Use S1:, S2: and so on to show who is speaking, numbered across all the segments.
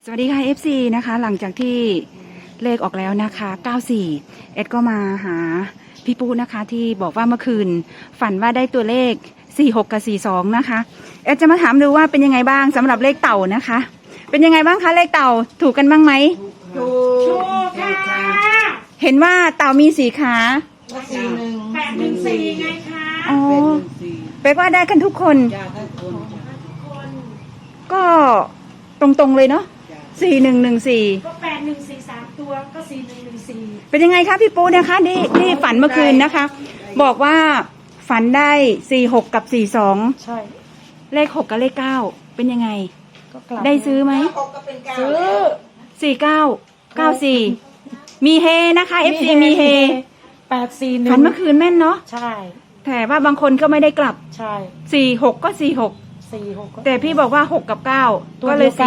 S1: วัสดีค่ะ FC นะคะหลังจากที่เลขออกแล้วนะคะ94เอ็ดก็มาหาพี่ปูนะคะที่บอกว่าเมื่อคืนฝันว่าได้ตัวเลข46กับ42นะคะเอ็ดจะมาถามดูว่าเป็นยังไงบ้างสำหรับเลขเต่านะคะเป็นยังไงบ้างคะเลขเต่าถูกกันบ้างไหม
S2: ถูกค่ะ
S1: เห็นว่าเต่ามี4 ขา
S2: 814ไงคะ
S1: อ๋อแปลว่าได้กันทุกคนก็ตรงๆเลยเนาะ4114
S2: ก็8143ตัวก็4114
S1: เป็นยังไงคะพี่ปูนะคะที่ฝันเมื่อคืนนะคะ บอกว่าฝันได้46กับ42
S2: ใช่
S1: เลข6กับเลข9เป็นยังไง
S2: ก็กลับ
S1: ได้ซื้อไหม
S2: ซื้อ
S1: 4994มีเฮนะคะ FC มีเฮ
S2: 841
S1: ฝันเมื่อคืนแม่นเนาะ
S2: ใช่
S1: แต่ว่าบางคนก็ไม่ได้กลับ
S2: ใช่
S1: 46ก็46แต่พี่บอกว่า6กับ9ก็เลย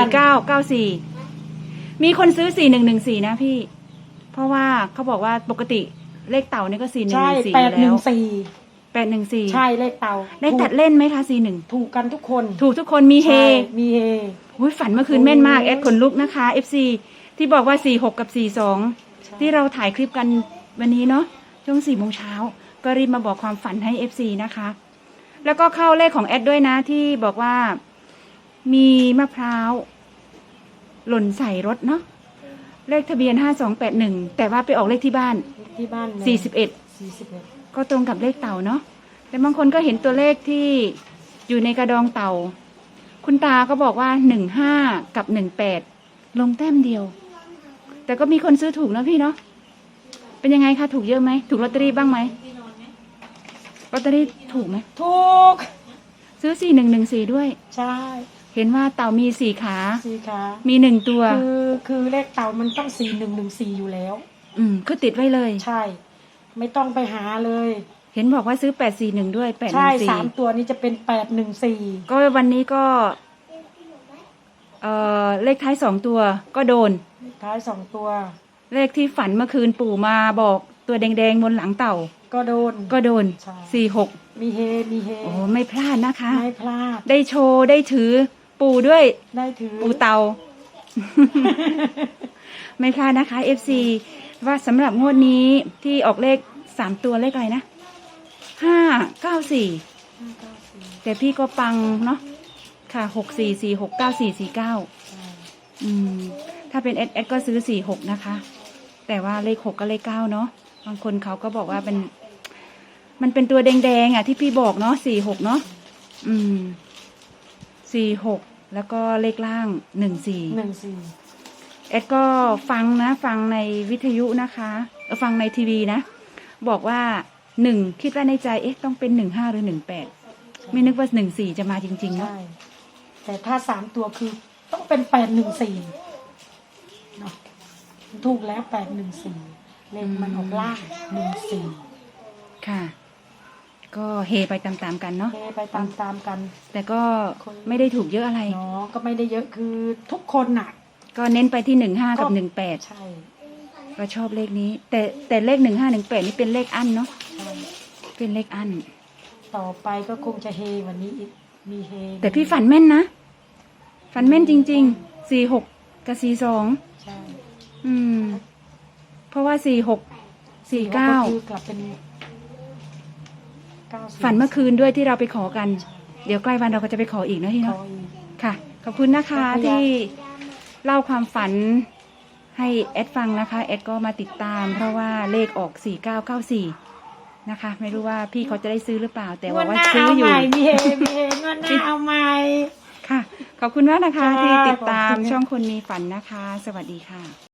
S1: 4994มีคนซื้อ4114นะพี่เพราะว่าเขาบอกว่าปกติเลขเต่านี่ก็4114แล้ว814
S2: ใช่เลขเต่า
S1: ได้ตัดเล่นไหมคะ41
S2: ถูกกันทุกคน
S1: ถูกทุกคนมีเฮฝันเมื่อคืนแม่นมากแอดขนลุกนะคะ FC ที่บอกว่า46กับ42ที่เราถ่ายคลิปกันวันนี้เนาะช่วง4 โมงเช้าก็รีบมาบอกความฝันให้ FC นะคะแล้วก็เข้าเลขของแอดด้วยนะที่บอกว่ามีมะพร้าวหล่นใส่รถเนาะเลขทะเบียน5281แต่ว่าไปออกเลขที่บ้าน41ก็ตรงกับเลขเต่าเนาะแต่บางคนก็เห็นตัวเลขที่อยู่ในกระดองเต่าคุณตาก็บอกว่า15กับ18ลงแต้มเดียวแต่ก็มีคนซื้อถูกนะพี่เนาะเป็นยังไงคะถูกเยอะไหมถูกลอตเตอรี่บ้างไหมลอตเตอรี่ถูกไหม
S2: ถูก
S1: ซื้อ4114ด้วย
S2: ใช่
S1: เห็นว่าเต่ามี4 ขามี1 ตัว
S2: คือเลขเต่ามันต้อง4114อยู่แล้ว
S1: คือติดไว้เลย
S2: ใช่ไม่ต้องไปหาเลย
S1: เห็นบอกว่าซื้อ841ด้วย814
S2: ใช่3 ตัวนี้จะเป็น814
S1: ก็วันนี้ก็เลขท้าย2 ตัวก็โดน
S2: เลขท้าย2 ตัว
S1: เลขที่ฝันเมื่อคืนปู่มาบอกตัวแดงๆบนหลังเต่าก็โดน46
S2: มีเฮ
S1: โอ้ไม่พลาดนะคะ
S2: ไม่พลาด
S1: ได้โชว์ได้ถือปู่ด้วย
S2: ได้ถือ
S1: ปู่เต่า ไม่พลาดนะคะ FC ว่าสำหรับงวดนี้ที่ออกเลข3 ตัวเลขอะไรนะ594แต่พี่ก็ปังเนาะค่ะ64469449ถ้าเป็นเอสก็ซื้อ46นะคะแต่ว่าเลข6กับเลข9เนาะบางคนเขาก็บอกว่ามันเป็นตัวแดงๆอ่ะที่พี่บอกเนาะ46เนาะ46แล้วก็เลขล่าง14เอ็ดก็ฟังในวิทยุนะคะฟังในทีวีนะบอกว่า1คิดว่าในใจต้องเป็น15หรือ18ไม่นึกว่า14จะมาจริงๆเนาะ
S2: แต่ถ้า3 ตัวคือต้องเป็น814เนาะถูกแล้ว814เลขมันออกล่าง14
S1: ค่ะก็เฮไปตามๆกันเนาะ
S2: เฮไปตามกัน
S1: แต่ก็ไม่ได้ถูกเยอะอะไร
S2: เนาะก็ไม่ได้เยอะคือทุกคนน่ะ
S1: ก็เน้นไปที่15กับ18
S2: ใช่
S1: ก็ชอบเลขนี้แต่เลข1518นี่เป็นเลขอั้นเนาะเป็นเลขอั้น
S2: ต่อไปก็คงจะเฮวันนี้อีกมีเฮ
S1: แต่พี่ฝันแม่นนะฝันแม่นจริงๆ46กับ42
S2: ใช่
S1: เพราะว่า46 49
S2: คือกลับเป็น
S1: ฝันเมื่อคืนด้วยที่เราไปขอกันเดี๋ยวใกล้วันเราก็จะไปขออีกนะที่เนาะค่ะขอบคุณนะคะที่เล่าความฝันให้แอดฟังนะคะแอดก็มาติดตามเพราะว่าเลขออก4994นะคะไม่รู้ว่าพี่เขาจะได้ซื้อหรือเปล่าแต่ว่าซื้ออยู่
S2: มีเฮงวดหน้าเอาใหม่
S1: ค่ะขอบคุณมากนะคะที่ติดตามช่องคนมีฝันนะคะสวัสดีค่ะ